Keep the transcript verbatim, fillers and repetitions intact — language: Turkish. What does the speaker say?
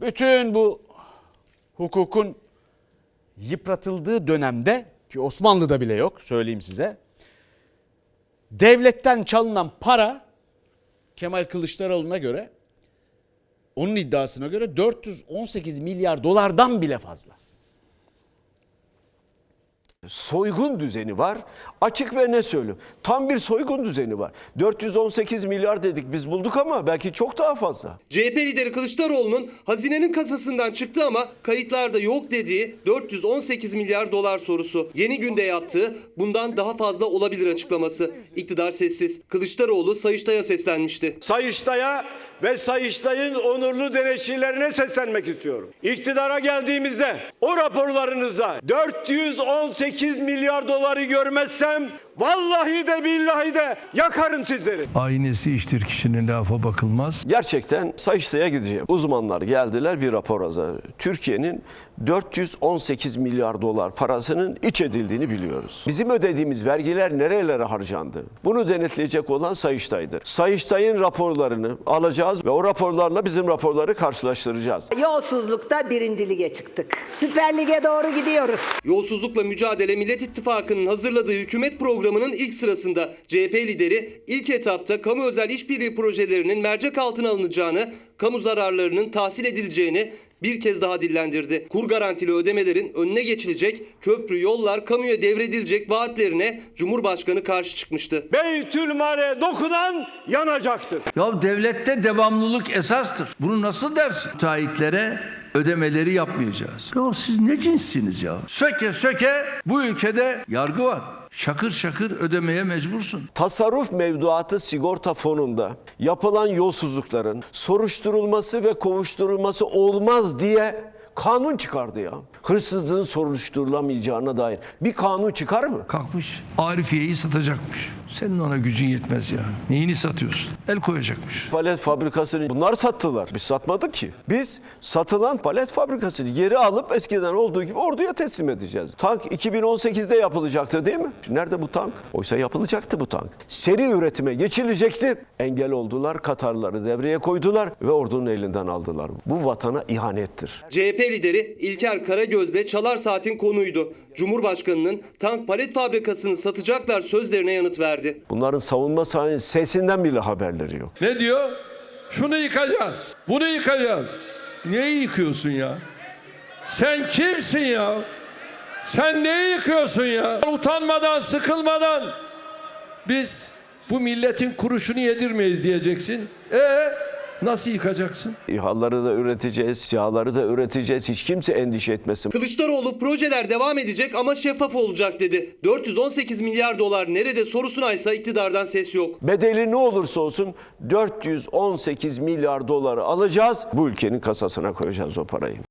Bütün bu hukukun yıpratıldığı dönemde, ki Osmanlı'da bile yok söyleyeyim size, devletten çalınan para Kemal Kılıçdaroğlu'na göre, onun iddiasına göre dört yüz on sekiz milyar dolardan bile fazla. Soygun düzeni var. Açık ve ne söyleyeyim? Tam bir soygun düzeni var. dört yüz on sekiz milyar dedik biz bulduk ama belki çok daha fazla. C H P lideri Kılıçdaroğlu'nun hazinenin kasasından çıktı ama kayıtlarda yok dediği dört yüz on sekiz milyar dolar sorusu. Yeni Günde yaptığı bundan daha fazla olabilir açıklaması. İktidar sessiz. Kılıçdaroğlu Sayıştay'a seslenmişti. Sayıştay'a ve Sayıştay'ın onurlu denetçilerine seslenmek istiyorum. İktidara geldiğimizde o raporlarınızda dört yüz on sekiz milyar doları görmezsem vallahi de billahi de yakarım sizleri. Aynesi iştir kişinin, lafa bakılmaz. Gerçekten Sayıştay'a gideceğim. Uzmanlar geldiler, bir rapor hazırladı. Türkiye'nin dört yüz on sekiz milyar dolar parasının iç edildiğini biliyoruz. Bizim ödediğimiz vergiler nerelere harcandı? Bunu denetleyecek olan Sayıştay'dır. Sayıştay'ın raporlarını alacağız ve o raporlarla bizim raporları karşılaştıracağız. Yolsuzlukta birinci lige çıktık. Süper Lig'e doğru gidiyoruz. Yolsuzlukla mücadele Millet İttifakı'nın hazırladığı hükümet programının ilk sırasında C H P lideri ilk etapta kamu özel işbirliği projelerinin mercek altına alınacağını, kamu zararlarının tahsil edileceğini bir kez daha dillendirdi. Kur garantili ödemelerin önüne geçilecek, köprü, yollar kamuya devredilecek vaatlerine Cumhurbaşkanı karşı çıkmıştı. Beytülmale dokunan yanacaktır. Ya devlette devamlılık esastır. Bunu nasıl dersin? Müteahhitlere ödemeleri yapmayacağız. Ya siz ne cinssiniz ya? Söke söke bu ülkede yargı var. Şakır şakır ödemeye mecbursun. Tasarruf mevduatı sigorta fonunda yapılan yolsuzlukların soruşturulması ve kovuşturulması olmaz diye kanun çıkardı ya. Hırsızlığın soruşturulamayacağına dair bir kanun çıkar mı? Kalkmış Arifiye'yi satacakmış. Senin ona gücün yetmez ya. Neyini satıyorsun? El koyacakmış. Palet fabrikasını bunlar sattılar. Biz satmadık ki. Biz satılan palet fabrikasını geri alıp eskiden olduğu gibi orduya teslim edeceğiz. Tank iki bin on sekizde yapılacaktı değil mi? Nerede bu tank? Oysa yapılacaktı bu tank. Seri üretime geçilecekti. Engel oldular. Katarları devreye koydular ve ordunun elinden aldılar. Bu vatana ihanettir. C H P lideri İlker Karagöz'de Çalar Saat'in konuydu. Cumhurbaşkanının tank palet fabrikasını satacaklar sözlerine yanıt verdi. Bunların savunma sahnesinin sesinden bile haberleri yok. Ne diyor? Şunu yıkacağız. Bunu yıkacağız. Neyi yıkıyorsun ya? Sen kimsin ya? Sen neyi yıkıyorsun ya? Utanmadan, sıkılmadan biz bu milletin kuruşunu yedirmeyiz diyeceksin. E nasıl yıkacaksın? İHA'ları da üreteceğiz, SİHA'ları da üreteceğiz. Hiç kimse endişe etmesin. Kılıçdaroğlu projeler devam edecek ama şeffaf olacak dedi. dört yüz on sekiz milyar dolar nerede sorusuna ise iktidardan ses yok. Bedeli ne olursa olsun dört yüz on sekiz milyar doları alacağız. Bu ülkenin kasasına koyacağız o parayı.